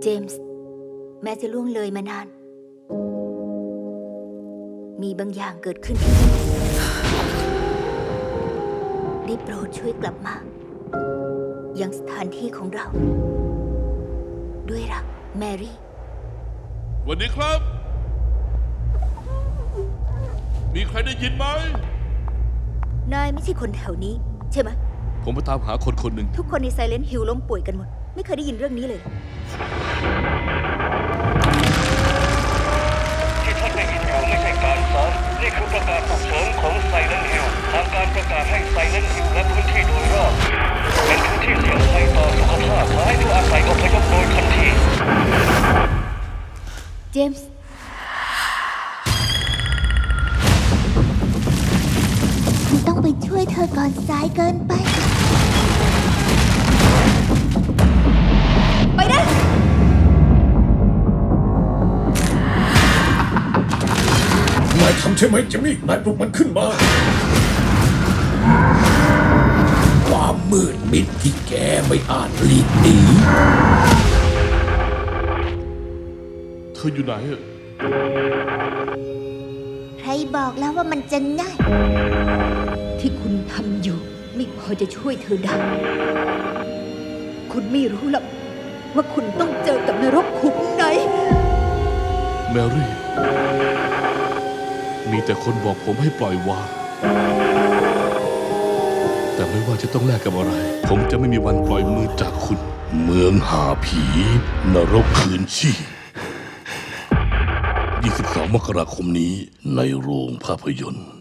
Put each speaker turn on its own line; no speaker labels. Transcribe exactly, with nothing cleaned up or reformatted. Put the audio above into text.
จมส์แม้จะล่วงเลยมานาน มีบางอย่างเกิดขึ้นได้โปรดช่วยกลับมายังสถานที่ของเรา ด้วยรักแมรี่
สวัสดีครับ มีใครได้ยินไหม
นายไม่ใช่คนแถวนี้ใช่ไหม
ผมมาตามหาคนคนหนึ่ง
ทุกคนในไซเลนต์ฮิลล้มป่วยกันหมด ไม่เคยได้ยินเรื่องนี้เลย
ที่ท่านได้ยินอยู่ไม่ใช่การซ้อมนี่คือประกาศฉุกเฉินของไซเลนต์ฮิลทางการประกาศให้ไซเลนต์ฮิลและพื้นที่โดยรอบเป็นพื้นที่เสี่ยงภัยต่อสุขภาพขอให้ผู้อาศัยอพยพโดยทันที
เจมส์คุณต้องไปช่วยเธอก่อนสายเกินไป ไปนะ
นายทำใช่ไหมเจมี่นายปลุกมันขึ้นมา ความมืดมิดที่แกไม่อาจหลีกหนี
เธออยู่ไหนอะ
ใครบอกแล้วว่ามันจะง่าย ที่คุณทำอยู่ไม่พอจะช่วยเธอได้ คุณไม่รู้หรอกว่าคุณต้องเจอกับนรกขุมไหน
แมรี่ มีแต่คนบอกผมให้ปล่อยวาง แต่ไม่ว่าจะต้องแลกกับอะไร ผมจะไม่มีวันปล่อยมือจากคุณ เมืองหาผี นรกคืนชีพยี่สิบสอง มกราคมนี้ในโรงภาพยนตร์